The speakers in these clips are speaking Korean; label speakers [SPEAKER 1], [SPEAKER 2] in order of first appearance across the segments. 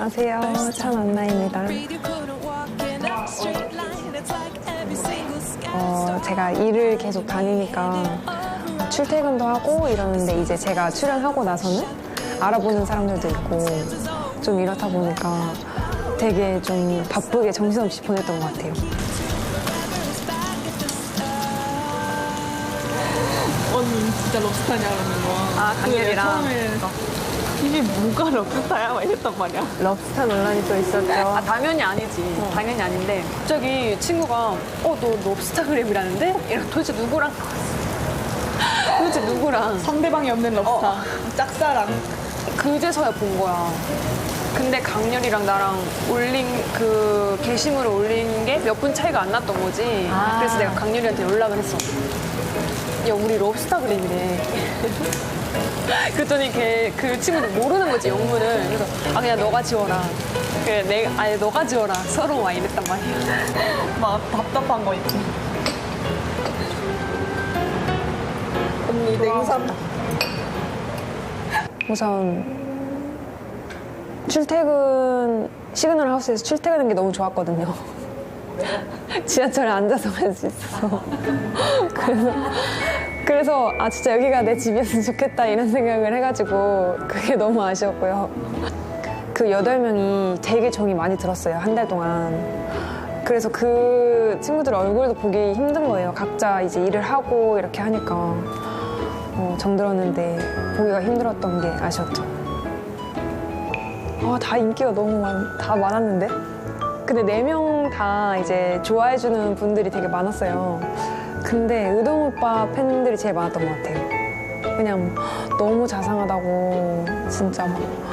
[SPEAKER 1] 안녕하세요. 천안나입니다. 제가 일을 계속 다니니까 출퇴근도 하고 이러는데 이제 제가 출연하고 나서는 알아보는 사람들도 있고 좀 이렇다 보니까 되게 좀 바쁘게 정신없이 보냈던 것 같아요.
[SPEAKER 2] 언니 진짜 럽스타냐 그러는 거야.
[SPEAKER 1] 아, 강렬이랑.
[SPEAKER 2] 처음에 이게 뭐가 럽스타야? 막 이랬단 말이야.
[SPEAKER 1] 럽스타 논란이 또 있었죠.
[SPEAKER 3] 아, 당연히 아니지. 당연히 아닌데 갑자기 친구가 너 럽스타그램이라는데? 이런 도대체 누구랑? 도대체 누구랑?
[SPEAKER 2] 상대방이 없는 럽스타. 짝사랑.
[SPEAKER 3] 그제서야 본 거야. 근데 강렬이랑 나랑 올린 그 게시물을 올린 게 몇 분 차이가 안 났던 거지. 그래서 내가 강렬이한테 연락을 했어. 야, 우리 럽스타그램이래. 그랬더니 그 친구도 모르는 거지, 영문을. 그래서 그냥 너가 지워라. 그래, 아니 너가 지워라. 서로 막 이랬단 말이야.
[SPEAKER 2] 막 답답한 거 있지. 언니 냉삼.
[SPEAKER 1] 우선 출퇴근 시그널 하우스에서 출퇴근하는 게 너무 좋았거든요. 지하철에 앉아서 할 수 있어서. 그래서 진짜 여기가 내 집이었으면 좋겠다 이런 생각을 해가지고 그게 너무 아쉬웠고요. 그 8명이 되게 정이 많이 들었어요, 한 달 동안. 그래서 그 친구들 얼굴도 보기 힘든 거예요. 각자 이제 일을 하고 이렇게 하니까 정 들었는데 보기가 힘들었던 게 아쉬웠죠. 다 인기가 너무 다 많았는데? 근데 4명 다 이제 좋아해주는 분들이 되게 많았어요. 근데 의동 오빠 팬들이 제일 많았던 것 같아요. 그냥 너무 자상하다고 진짜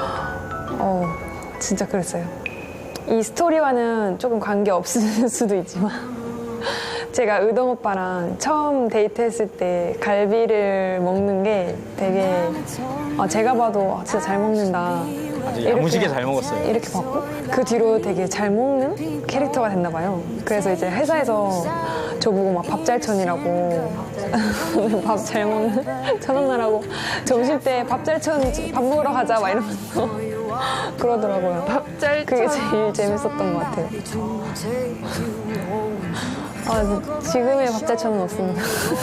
[SPEAKER 1] 진짜 그랬어요. 이 스토리와는 조금 관계 없을 수도 있지만 제가 의동 오빠랑 처음 데이트했을 때 갈비를 먹는 게 되게 제가 봐도 진짜 잘 먹는다.
[SPEAKER 4] 야무지게 잘 먹었어요.
[SPEAKER 1] 이렇게 봤고 그 뒤로 되게 잘 먹는 캐릭터가 됐나 봐요. 그래서 이제 회사에서 저보고 막 밥잘천이라고 밥 잘 먹는 천원나라고 점심 때 밥잘천 밥 먹으러 가자 막 이러면서 그러더라고요. 밥잘천 그게 제일 재밌었던 것 같아요. 지금의 밥잘천은 없습니다.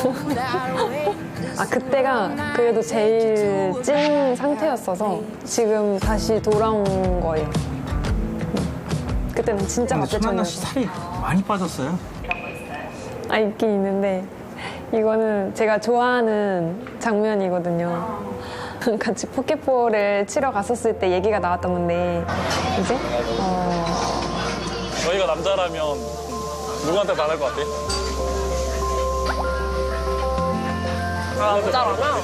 [SPEAKER 1] 그때가 그래도 제일 찐 상태였어서 지금 다시 돌아온 거예요. 그때는 진짜
[SPEAKER 4] 근데 천안나 씨
[SPEAKER 1] 밥잘천이었어요.
[SPEAKER 4] 살이 많이 빠졌어요.
[SPEAKER 1] 있긴 있는데 이거는 제가 좋아하는 장면이거든요. 같이 포켓볼을 치러 갔었을 때 얘기가 나왔던 건데 이제
[SPEAKER 5] 저희가 남자라면 누구한테 반할 것 같아?
[SPEAKER 3] 남자라면?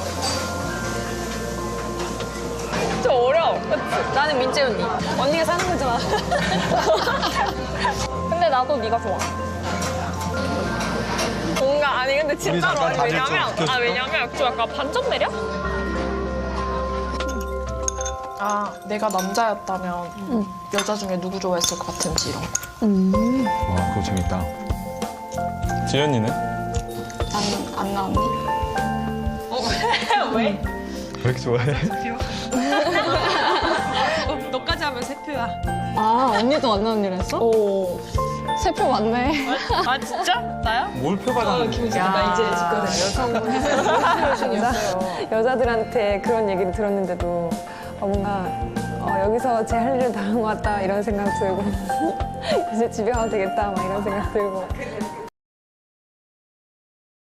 [SPEAKER 3] 좀 어려워. 그치? 나는 민재 언니. 언니가 사는 거잖아. 근데 나도 네가 좋아. 뭔가 아니 근데 진짜로
[SPEAKER 4] 잠깐
[SPEAKER 3] 아니
[SPEAKER 4] 다들 좀
[SPEAKER 3] 왜냐면 좀 약간 반전 매력?
[SPEAKER 2] 내가 남자였다면 여자 중에 누구 좋아했을 것 같은지 이런 거.
[SPEAKER 4] 와, 그거 재밌다.
[SPEAKER 5] 지연이는?
[SPEAKER 2] 나는 안나 언니.
[SPEAKER 3] 왜?
[SPEAKER 4] 왜 이렇게 좋아해?
[SPEAKER 3] 너까지 하면 세 표야.
[SPEAKER 1] 언니도 안 나온 일 했어? 세 표 맞네.
[SPEAKER 3] 아 진짜? 나야?
[SPEAKER 4] 뭘 표받았는데?
[SPEAKER 3] 나 이제 집거든.
[SPEAKER 1] 여자들한테 그런 얘기를 들었는데도 뭔가 여기서 제 할 일을 다 한 것 같다 이런 생각 들고 이제 집에 가도 되겠다 막 이런 생각 들고